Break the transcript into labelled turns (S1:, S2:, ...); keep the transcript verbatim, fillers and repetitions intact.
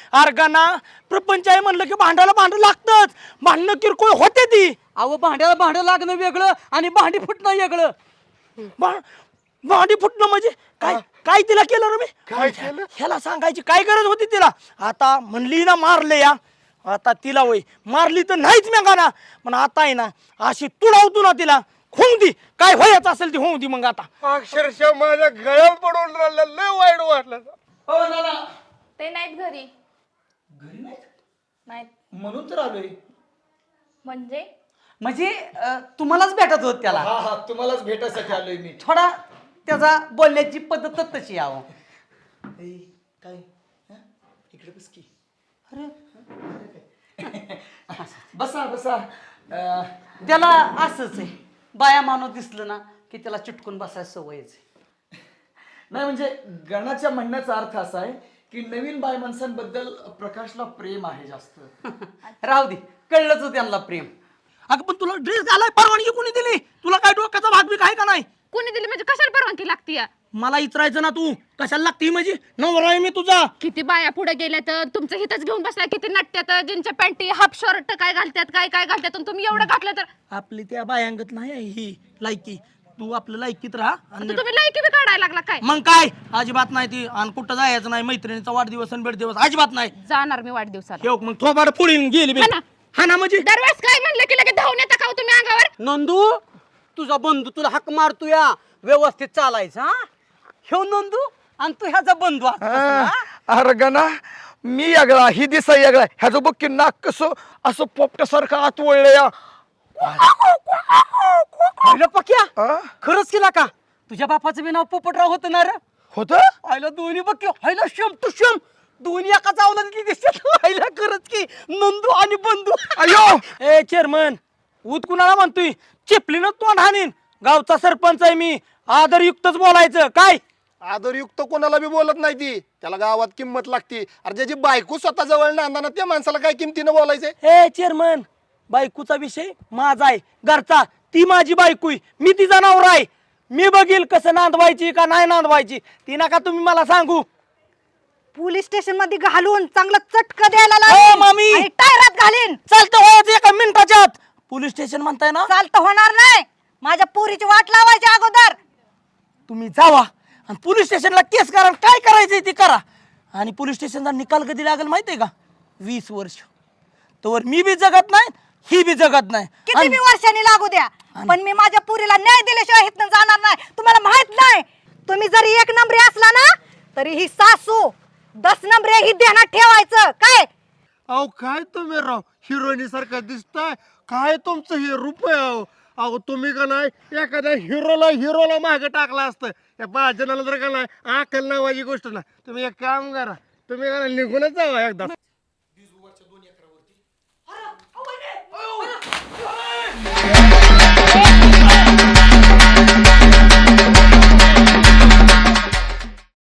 S1: अर्गाना प्रपंच आहे म्हणलं की भांडायला भांड लागतच. भांडणं किरकोळ होते ती.
S2: अहो भांड्याला भांडं लागणं वेगळं आणि भांडी फुटणं वेगळं.
S1: भा- भांडी फुटणं म्हणजे काय काय तिला केलं रे मी?
S3: काय केलं?
S1: ह्याला सांगायची काय गरज होती तिला? आता म्हणली ना मारले या, आता तिला वय मारली तर नाहीच मी गाना, पण आता आहे ना अशी तुडावतो ना तिला, होऊ दे काय व्हायचं असेल ती होऊ दे. मग आता
S3: अक्षरशः माझ्या गळ्यात पडून राहिलं, लय वाईट वाटलं.
S2: हो ना ना
S4: ते नाहीत घरी.
S2: घरी नाहीत
S4: नाहीत
S2: म्हणून तर आलोय.
S4: म्हणजे
S2: म्हणजे अं, तुम्हालाच भेटत होत त्याला.
S3: हा हा तुम्हालाच भेटायसाठी आलोय मी.
S2: थोडा त्याचा बोलण्याची पद्धतच तशी यावं.
S1: काय इकडे बस की.
S2: बसा बसा. अं, त्याला असंच आहे, बाया माणूस दिसलं ना की त्याला चिटकून बसायची सवयच आहे.
S5: नाही म्हणजे गणाच्या म्हणण्याचा अर्थ असा आहे की नवीन बाय माणसांबद्दल प्रकाशला प्रेम आहे जास्त.
S2: राहू दे, कळलंच हो त्यांना प्रेम.
S1: अगं पण तुला ड्रेस घालाय परवानगी कोणी दिली? तुला काय डोक्याचा भाग बी काय का नाही?
S4: कोणी दिली म्हणजे कशाला परवानगी लागती या?
S1: मला इचरायचं ना तू कशाला लागती? म्हणजे नवरा आहे मी तुझा.
S4: किती बाया पुढे गेल्या तर तुमचं हितच घेऊन बसलाय. किती नटत्यात, ज्यांच्या पॅन्टी हाफ शर्ट काय घालतात काय काय घालतात, आणि तुम्ही एवढं घातलं तर
S1: आपली त्या बायांगत नाही आहे ही लायकी. तू आपलं लायकीत राहा. आणि
S4: आता तुम्ही लायकी बी काढायला लागला काय?
S1: मग काय अजिबात नाही ती. आणि कुठं जायचं नाही, मैत्रिणीचा वाढदिवस आणि बेडदिवस अजिबात नाही.
S4: जाणार मी वाढदिवसाला.
S1: ठेव मग थोबाड पुढील गेली बी.
S4: हा ना.
S1: हा ना म्हणजे
S4: दरवेळेस काय म्हणलं की लगेच धावून येता का हो तुम्ही अंगावर?
S2: नंदू, तुझा बंधू तुला हाक मारतो या, व्यवस्थित चालायचं. हा ह्यो नंदू आणि तू ह्याचा बंधू असतोस ना?
S3: अरे गणा, मी यागळा ही दिसा यागळा, ह्याचं बघ की नाक कसं असं पोपट्यासारखं आत वळलं या.
S2: पाहिलं पक्या,
S3: हा?
S2: खरंच केला का? तुझ्या बापाचं बी नाव पोपटराव होतं ना रे?
S3: होतं?
S2: आयला दोन्ही बघ की, आयला शम तू शम दोन्ही एका चावला दिसतात. आयला खरंच की नंदू आणि बंधू.
S3: अयो
S1: ए चेअरमन, ऊत कुणाला म्हणतोय? चिपलीनं तोंड हाणीन. गावचा सरपंच आहे मी, आदरयुक्तच बोलायचं. काय
S3: आदरयुक्त कोणाला बी बोलत नाही ती, त्याला गावात किंमत लागती. अरे ज्याची बायको स्वतः जवळ नांदाना त्या माणसाला काय किमतीनं बोलायचंय?
S1: ए चेअरमन, बायकोचा विषय माझा आहे, घरचा. ती माझी बायको आहे, मी तिचा नवरा आहे. मी बघील कसं नांदवायची का नाही नांदवायची, ती नका तुम्ही मला सांगू.
S6: पोलीस स्टेशन मध्ये घालून चांगलं चटक द्यायला
S1: ओ,
S6: लागेल
S1: मामी.
S6: आणि टायरात घालीन.
S1: चालतं व्हायचं एका मिनिटाच्या आत. पोलीस स्टेशन म्हणताय ना,
S6: चालतं होणार नाही. माझ्या पोरीची वाट लावायची अगोदर.
S1: तुम्ही जावा आणि पोलीस स्टेशनला केस करा. काय करायचंय ते करा. आणि पोलीस स्टेशनचा निकाल कधी लागेल माहितीये का? वीस वर्ष. तोवर मी बी जगत नाही, ही बी जगत नाही.
S6: किती
S1: आणि-
S6: बी वर्षांनी लागू द्या, पण मी माझ्या पोरीला न्याय दिल्याशिवाय इथनं जाणार नाही. तुम्हाला माहित नाही, तुम्ही जरी एक नंबरी असला ना तरी ही सासू दस नंबरी ही ध्यानात ठेवायचं. काय
S3: अहो काय तुम्ही राव हिरोईनी सारखं दिसताय, काय तुमचं हे रूप आहे अहो. अहो तुम्ही का नाही एखाद्या हिरोला हिरोला मागे टाकला असतं, या भाजनाला जर का नाही आकल नावाची गोष्ट नाही. तुम्ही एक काम करा, तुम्ही का नाही निघूनच जावा एकदा.